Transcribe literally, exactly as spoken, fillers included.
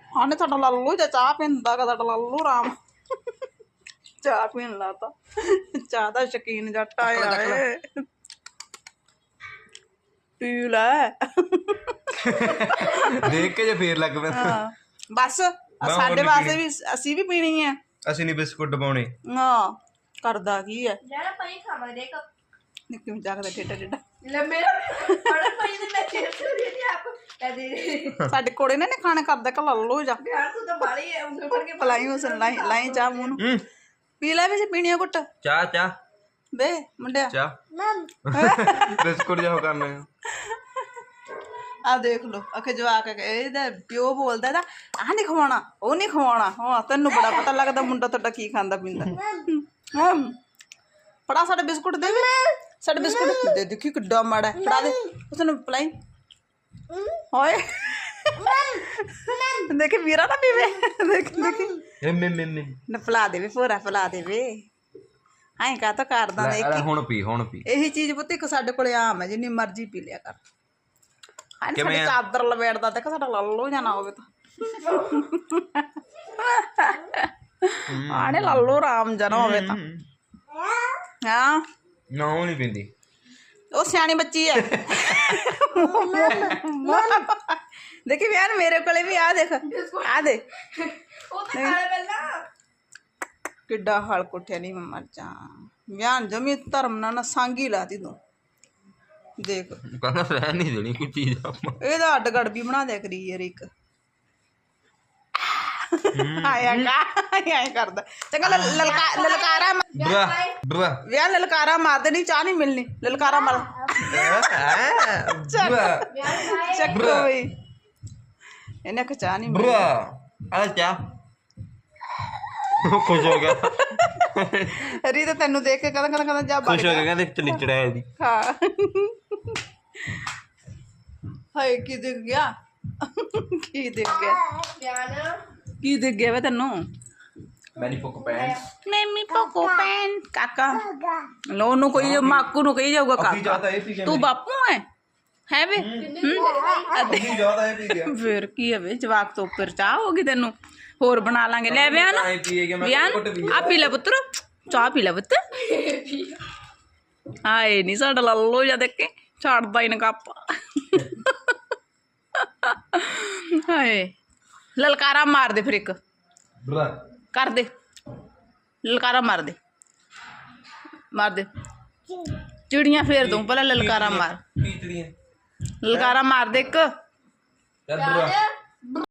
ਆਨੇ ਤੁਹਾਡਾ ਲੱਲੂ ਜਾਂ ਚਾਹ ਪੀਂਦਾ ਕਾ ਤੁਹਾਡਾ ਲੱਲੂ ਰਾਮ ਚਾਹ ਪੀਣ ਲਾਤਾ ਚਾਹ ਦਾ ਸ਼ੌਕੀਨ ਜੱਟ ਆਇਆ ਏ ਪੀ ਲੈ ਦੇਖ ਕੇ ਜੇ ਫੇਰ ਲੱਗ ਪਿਆ ਹਾਂ ਬਸ ਸਾਡੇ ਵਾਸਤੇ ਵੀ ਅਸੀਂ ਵੀ ਪੀਣੀ ਹੈ ਅਸੀਂ ਨਹੀਂ ਬਿਸਕੁਟ ਦਬਾਉਣੇ ਹਾਂ ਕਰਦਾ ਕੀ ਹੈ ਯਾਰ ਪਈ ਖਾਵਾਂ ਦੇਖ ਨਿੱਕੀ ਨੂੰ ਜਾਗਦਾ ਟੇਡਾ ਟੇਡਾ ਲੈ ਮੇਰਾ ਬੜਾ ਪਈ ਨੇ ਮੈਂ ਚੇਪ ਚੁਰੀ ਨਹੀਂ ਆਪ ਕਦੇ ਸਾਡੇ ਕੋੜੇ ਨੇ ਨੇ ਖਾਣੇ ਕਰਦਾ ਕਾ ਲੱਲੂ ਜਾ ਯਾਰ ਤੂੰ ਤਾਂ ਬਾਲੀ ਹੈ ਉਂਗਲ ਫੜ ਕੇ ਪਲਾਈ ਉਸ ਲਾਈ ਲਾਈ ਚਾਹ ਮੂੰਹ ਨੂੰ ਪੀ ਲੈ ਵੀ ਪੀਣੀ ਆ ਘੁੱਟ ਚਾਹ ਚਾਹ ਬੇ ਮੁੰਡਿਆ ਚਾਹ ਬਿਸਕੁਟ ਜਾ ਕਰਨਾ ਆ ਦੇਖ ਲੋ ਅਖੇ ਜਵਾਕ ਇਹਦਾ ਪਿਓ ਬੋਲਦਾ ਇਹਦਾ ਆਹ ਨਹੀਂ ਖਵਾਉਣਾ ਉਹ ਨਹੀਂ ਖਵਾਉਣਾ ਹਾਂ ਤੈਨੂੰ ਬੜਾ ਪਤਾ ਲੱਗਦਾ ਮੁੰਡਾ ਤੁਹਾਡਾ ਕੀ ਖਾਂਦਾ ਪੀਂਦਾ ਹਾਂ ਫੜਾ ਸਾਡੇ ਬਿਸਕੁਟ ਦੇ ਵੀ ਸਾਡੇ ਬਿਸਕੁਟ ਦੇ ਦੇਖੀ ਕਿੱਡਾ ਮਾੜਾ ਫੜਾ ਦੇ ਉਸਨੂੰ ਪਲਾਈ ਹੋਏ ਦੇਖੀ ਵੀਰਾ ਨਾ ਪੀਵੇ ਦੇਖ ਦੇਖੀ ਐਮ ਐਮ ਐਮ ਨਾ ਫਲਾ ਦੇਵੇ ਪੂਰਾ ਫਲਾ ਦੇਵੇ ਐਂ ਕਾ ਤਾਂ ਕਰਦਾ ਦੇਖ ਹੁਣ ਪੀ ਹੁਣ ਪੀ ਇਹੀ ਚੀਜ਼ ਪੁੱਤ ਇੱਕ ਸਾਡੇ ਕੋਲੇ ਆਮ ਹੈ ਜਿੰਨੀ ਮਰਜ਼ੀ ਪੀ ਲਿਆ ਕਰ ਹਾਂ ਸਾਡੀ ਕਿਵੇਂ ਆ? ਚਾਦਰ ਲਵੇੜਦਾ ਤੇ ਸਾਡਾ ਲੱਲੂ ਜਾਂ ਨਾ ਹੋਵੇ ਤਾਂ ਆਣੇ ਲੱਲੂ ਰਾਮ ਜਾਂ ਨਾ ਹੋਵੇ ਤਾਂ ਹਾਂ ਨਾ ਉਹ ਨਹੀਂ ਪੀਂਦੀ ਉਹ ਸਿਆਣੀ ਬੱਚੀ ਹੈ ਦੇਖੀ ਯਾਰ ਮੇਰੇ ਕੋਲੇ ਵੀ ਆ ਦੇਖ ਆ ਦੇ ਉਹ ਤਾਂ ਖਾ ਲੈ ਪਹਿਲਾਂ ਕਿੱਡਾ ਹਲ ਕੁੱਠਿਆ ਨਹੀਂ ਮੈਂ ਮਰ ਜਾ ਵਿਆਹ ਜਮੀ ਧਰਮ ਨਾਲ ਨਾ ਸਾਂਗੀ ਲਾਤੀ ਤੂੰ ਦੇਖ ਕਹਿੰਦਾ ਰਹਿ ਨਹੀਂ ਦੇਣੀ ਕੋਈ ਚੀਜ਼ ਆਪਾਂ ਇਹਦਾ ਅੱਡ ਗੜ ਵੀ ਬਣਾ ਦਿਆ ਕਰੀ ਯਾਰ ਇੱਕ ਆਇਆ ਕਾ ਆਇਆ ਕਰਦਾ ਚੰਗਾ ਲ- ਲਲਕਾ ਲਲਕਾਰਾ ਮਾ- ਬਰਾ ਬਰਾ ਵਿਆਹ ਲਲਕਾਰਾ ਮਾਰਦੇ ਨਹੀਂ ਚਾਹ ਨਹੀਂ ਮਿਲਣੀ ਲਲਕਾਰਾ ਮਾਰ ਬਰਾ ਚੱਕੋ ਬਈ ਇਹਨੇ ਕਿ ਚਾਹ ਨਹੀਂ ਮਿਲਣੀ ਬਰਾ ਆ ਚਾਹ ਖੁਸ਼ ਹੋ ਗਿਆ ਰੀ ਤਾਂ ਤੈਨੂੰ ਦੇਖ ਕੇ ਕਹਿੰਦਾ ਕਹਿੰਦਾ ਕਹਿੰਦਾ ਜਾ ਖੁਸ਼ ਹੋ ਬਾਹਰ ਗਿਆ ਕਹਿੰਦੇ ਚਲਿਚੜਾ ਹੈ ਜੀ ਹਾਂ ਹਾਏ ਕੀ ਦਿਖ ਗਿਆ ਕੀ ਦਿਖ ਗਿਆ ਪਿਆਨ ਕੀ ਦਿਖ ਗਿਆ ਵੇ ਤੈਨੂੰ ਮੈਨੀ ਪੁੱਕ ਪੈਨ ਮੈਮੀ ਪੋਕੋ ਪੈਨ ਕਾਕਾ ਲੋ ਨੂੰ ਕੋਈ ਮਾਕੂ ਨੂੰ ਕਹੀ ਜਾਊਗਾ ਕਾਕਾ ਜ਼ਿਆਦਾ ਇਹ ਪੀ ਗਿਆ ਤੂੰ ਬਾਪੂ ਹੈ ਹੈ ਵੇ ਅੱਧੀ ਜ਼ਿਆਦਾ ਇਹ ਪੀ ਗਿਆ ਫਿਰ ਕੀ ਹੈ ਵੇ ਜਵਾਕ ਤੋਂ ਉੱਪਰ ਚਾਹ ਹੋਗੀ ਤੈਨੂੰ ਹੋਰ ਬਣਾ ਲਾਂਗੇ ਲੈ ਵਿਆਹ ਨਾ ਐ ਪੀਏ ਗਿਆ ਮੈਂ ਵਿਆਹ ਘੁੱਟ ਪੀ ਆ ਪੀ ਲੈ ਪੁੱਤਰ ਚਾਹ ਪੀ ਲੈ ਪੁੱਤ ਹਾਏ ਨਹੀਂ ਸਾਡਾ ਲੱਲੂ ਜਾ ਦੇਖ ਕੇ ਛੱਡਦਾ ਹੀ ਨਾ ਕੱਪ ਹਾਏ ਲਲਕਾਰਾ ਮਾਰ ਦੇ ਫਿਰ ਇੱਕ ਬਰਾ ਕਰ ਦੇ ਲਲਕਾਰਾ ਮਾਰ ਦੇ ਮਾਰ ਦੇ ਚਿੜੀਆਂ ਫੇਰ ਦੂੰ ਪਹਿਲਾਂ ਲਲਕਾਰਾ ਮਾਰ ਪੀਤੜੀਆਂ ਲਲਕਾਰਾ ਮਾਰ ਦੇ ਇੱਕ ਚੱਲ ਬਰਾ